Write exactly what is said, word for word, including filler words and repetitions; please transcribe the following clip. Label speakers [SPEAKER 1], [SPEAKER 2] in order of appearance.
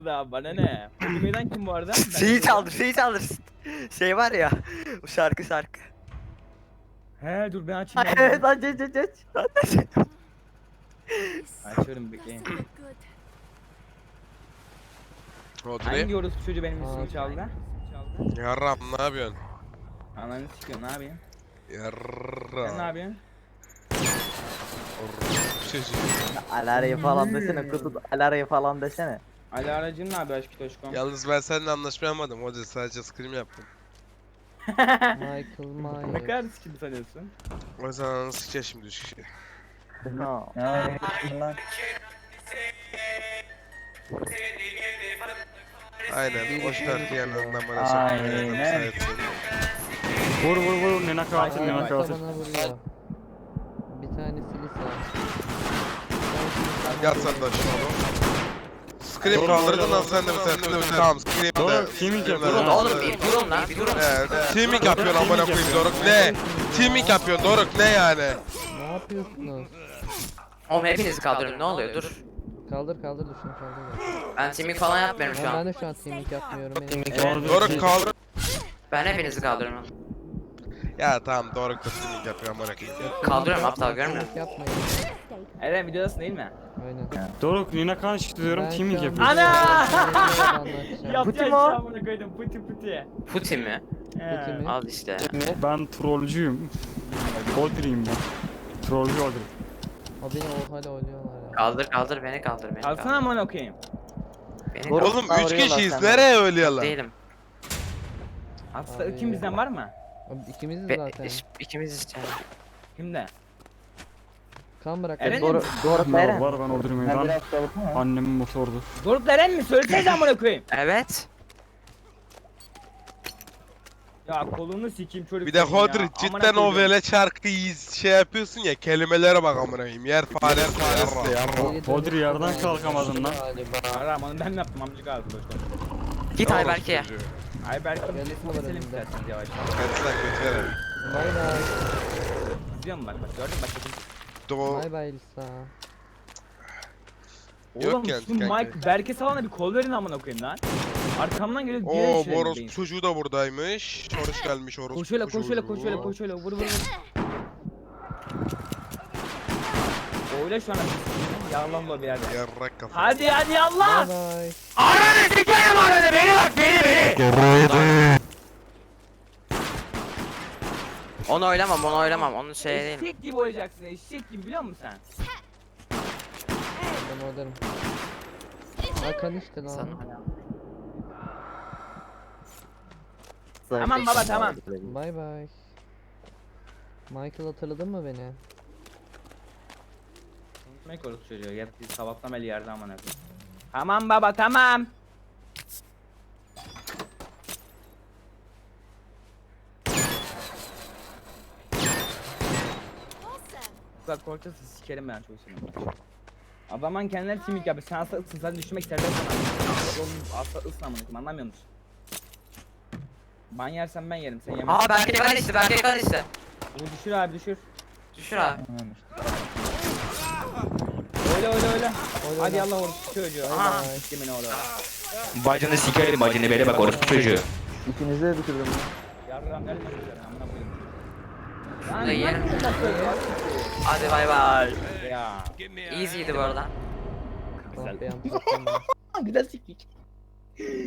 [SPEAKER 1] Da bana ne? Bilmeden kim bu arada? Ben
[SPEAKER 2] Şeyi
[SPEAKER 1] de-
[SPEAKER 2] çaldır, şeyi çaldır. Şey var ya, bu şarkı şarkı.
[SPEAKER 1] He dur ben açayım.
[SPEAKER 2] Ay,
[SPEAKER 1] ben
[SPEAKER 2] evet
[SPEAKER 1] bunu.
[SPEAKER 2] aç aç aç aç. Aç.
[SPEAKER 1] Açıyorum bekleyin.
[SPEAKER 3] Oturayım.
[SPEAKER 1] Hangi orospu çocuğu benim ismimi çaldı?
[SPEAKER 3] Yarram ne yapıyorsun?
[SPEAKER 1] Ananı sikiyor ne yapayım? Sen ne
[SPEAKER 3] Yarram.
[SPEAKER 1] yapıyorsun?
[SPEAKER 3] Çocuğu.
[SPEAKER 2] Alarayı falan desene kutu alarayı falan desene.
[SPEAKER 1] Ali aracın ne yapıyor aşkı toşkom?
[SPEAKER 3] Yalnız ben seninle anlaşmayamadım hoca, sadece scream yaptım.
[SPEAKER 4] Michael
[SPEAKER 1] Ne
[SPEAKER 4] Myers.
[SPEAKER 1] kadar sikim sanıyorsun?
[SPEAKER 3] O yüzden ananı sikeceğiz şimdi üç kişi.
[SPEAKER 2] Ha.
[SPEAKER 3] Aynen, o şarkı yanından bana sokmayalım.
[SPEAKER 5] Aynen. Vur vur vur Nina katil
[SPEAKER 1] Ay,
[SPEAKER 5] Nina
[SPEAKER 1] ay,
[SPEAKER 4] Bana
[SPEAKER 5] katil.
[SPEAKER 4] vuruyor. Bir tanesi Lisa.
[SPEAKER 3] Yat sen de aşağı oğlum. Scream kaldırdın lan sen de bir sen de bir tamam scream
[SPEAKER 5] Doğru,
[SPEAKER 3] de.
[SPEAKER 5] teaming
[SPEAKER 3] Scream de-
[SPEAKER 5] yapıyor.
[SPEAKER 2] Oğlum bir durun lan bir durun.
[SPEAKER 3] Evet, teaming yapıyorsun amına koyayım Doruk, ne? Teaming yapıyorsun Doruk, ne yani?
[SPEAKER 4] Ne yapıyorsunuz?
[SPEAKER 6] Oğlum hepinizi kaldırın ne oluyor dur.
[SPEAKER 4] Kaldır kaldır dur şunu kaldır.
[SPEAKER 6] Ben teaming falan yapmıyorum şu
[SPEAKER 4] Ama ben
[SPEAKER 6] an.
[SPEAKER 4] de şu an teaming yapmıyorum. Benim
[SPEAKER 5] Doğru,
[SPEAKER 3] Doruk kaldır.
[SPEAKER 6] Ben hepinizi kaldırırım.
[SPEAKER 3] Ya tamam Doruk da teaming yapıyor amına koyayım.
[SPEAKER 6] Kaldırıyorum aptal görmüyor musun?
[SPEAKER 4] teaming yapmayın.
[SPEAKER 1] Eren videodasın değil mi?
[SPEAKER 4] Aynen.
[SPEAKER 5] Doruk Nina katil diyorum
[SPEAKER 4] Ben
[SPEAKER 5] teaming
[SPEAKER 4] şu an
[SPEAKER 5] yapıyor.
[SPEAKER 1] Ana!
[SPEAKER 4] anlatacağım.
[SPEAKER 1] Yap
[SPEAKER 2] Puti
[SPEAKER 1] ya
[SPEAKER 2] mi o?
[SPEAKER 1] amına koydum puti puti.
[SPEAKER 6] Puti mi?
[SPEAKER 1] He.
[SPEAKER 4] Puti mi?
[SPEAKER 6] Al işte.
[SPEAKER 5] Ben trollcüyüm. Odri'yim ben. Trollcü Odri.
[SPEAKER 4] O beni o hala oynuyorlar ya.
[SPEAKER 6] Kaldır kaldır beni kaldır beni
[SPEAKER 1] Alsana
[SPEAKER 6] kaldır.
[SPEAKER 1] amına koyayım.
[SPEAKER 6] Beni
[SPEAKER 2] Doğru.
[SPEAKER 6] kaldır.
[SPEAKER 3] Oğlum üç
[SPEAKER 2] Kavruyorlar
[SPEAKER 3] kişiyiz,
[SPEAKER 2] senden.
[SPEAKER 3] nereye ölüyorlar?
[SPEAKER 6] Değilim.
[SPEAKER 1] Aslında
[SPEAKER 4] Abi.
[SPEAKER 1] kim bizden var mı?
[SPEAKER 4] Abi ikimiziz
[SPEAKER 6] Be
[SPEAKER 4] zaten.
[SPEAKER 6] iş- ikimiz işte.
[SPEAKER 1] Kimde?
[SPEAKER 4] Kan bırak.
[SPEAKER 1] Eren
[SPEAKER 2] Doğru
[SPEAKER 1] mi?
[SPEAKER 2] doğru
[SPEAKER 5] Var
[SPEAKER 2] Eren.
[SPEAKER 5] var ben Odri'yim ben. Annemin motordu.
[SPEAKER 1] Doruk Eren mi? Söylesene amına koyayım.
[SPEAKER 6] Evet.
[SPEAKER 1] Ya kolunu sikeyim çocuk.
[SPEAKER 3] Bir de
[SPEAKER 1] senin ya.
[SPEAKER 3] Hodri
[SPEAKER 1] Amına
[SPEAKER 3] cidden o
[SPEAKER 1] koyduğum.
[SPEAKER 3] vele şarkıyı şey yapıyorsun ya, kelimelere bak amına koyayım. Yer fare faresi ya.
[SPEAKER 5] Odri yerden kalkamadın lan.
[SPEAKER 1] Aram onu ben mi yaptım amcık ağzı boş konuş.
[SPEAKER 6] Git Ayberk'e.
[SPEAKER 1] Ay belki
[SPEAKER 4] Yanlış
[SPEAKER 1] bir
[SPEAKER 4] mı var
[SPEAKER 1] keselim
[SPEAKER 4] elimde?
[SPEAKER 1] isterseniz yavaş.
[SPEAKER 3] Kaç lan kötü yere.
[SPEAKER 4] Bay bay.
[SPEAKER 1] İzliyor musun bak bak gördün mü bak bakayım.
[SPEAKER 3] Do
[SPEAKER 4] Bay bay Lisa.
[SPEAKER 3] Yok
[SPEAKER 1] Oğlum
[SPEAKER 3] yani,
[SPEAKER 1] şu
[SPEAKER 3] kanka.
[SPEAKER 1] Mike Berke salana bir kol verin amına koyayım lan. Arkamdan geliyor
[SPEAKER 3] Oo
[SPEAKER 1] geri
[SPEAKER 3] bu
[SPEAKER 1] şöyle
[SPEAKER 3] orospu çocuğu da buradaymış. Oruç gelmiş orospu
[SPEAKER 1] Koş şöyle koş şöyle koş şöyle
[SPEAKER 3] çocuğu.
[SPEAKER 1] koş şöyle vur vur vur. Oyla şu an. Yağlan bu bir yerde.
[SPEAKER 3] Yarrak kafa.
[SPEAKER 1] Hadi hadi Allah.
[SPEAKER 4] Bay bay.
[SPEAKER 1] Ananı sikerim ananı beni bak beni beni.
[SPEAKER 6] Onu oylamam onu oylamam. Onun şey değil.
[SPEAKER 1] Eşek gibi oynayacaksın eşek gibi biliyor musun sen?
[SPEAKER 4] Ben oradayım. Hakan işte lan.
[SPEAKER 6] Sana.
[SPEAKER 1] Tamam baba, tamam.
[SPEAKER 4] Bay bay. Michael hatırladın mı beni?
[SPEAKER 1] Ne korku çocuğu yat biz sabahtan beri yerde amına koyayım. Tamam baba tamam. Bak korkarsın sikerim ben çok seni. Adamın kendileri timik yapıyor. Sen asla ısın sen düşmek istersen sana. Oğlum asla ısın amına koyayım anlamıyor musun? Ben yersem ben yerim sen yemezsin.
[SPEAKER 6] Aa Berke kan işte Berke kan işte.
[SPEAKER 1] Bunu düşür abi düşür.
[SPEAKER 6] Düşür abi.
[SPEAKER 1] Öyle öyle öyle.
[SPEAKER 4] Öyle
[SPEAKER 1] Hadi
[SPEAKER 4] öyle.
[SPEAKER 1] Allah orası çocuğu.
[SPEAKER 4] Bay
[SPEAKER 1] Aha.
[SPEAKER 4] bay.
[SPEAKER 1] Kimin oğlu?
[SPEAKER 7] Bacını sikerim bacını beni bak orospu çocuğu.
[SPEAKER 2] İkinizi de bitirdim.
[SPEAKER 1] Yarram nereden çıkıyorsun amına koyayım.
[SPEAKER 6] Bunu da yerim.
[SPEAKER 1] nasıl ya?
[SPEAKER 6] Hadi bay bay.
[SPEAKER 1] Ya.
[SPEAKER 6] Easy'ydi bu arada.
[SPEAKER 4] Ah be, yanlış yaptım ben.
[SPEAKER 1] Güzel sikik.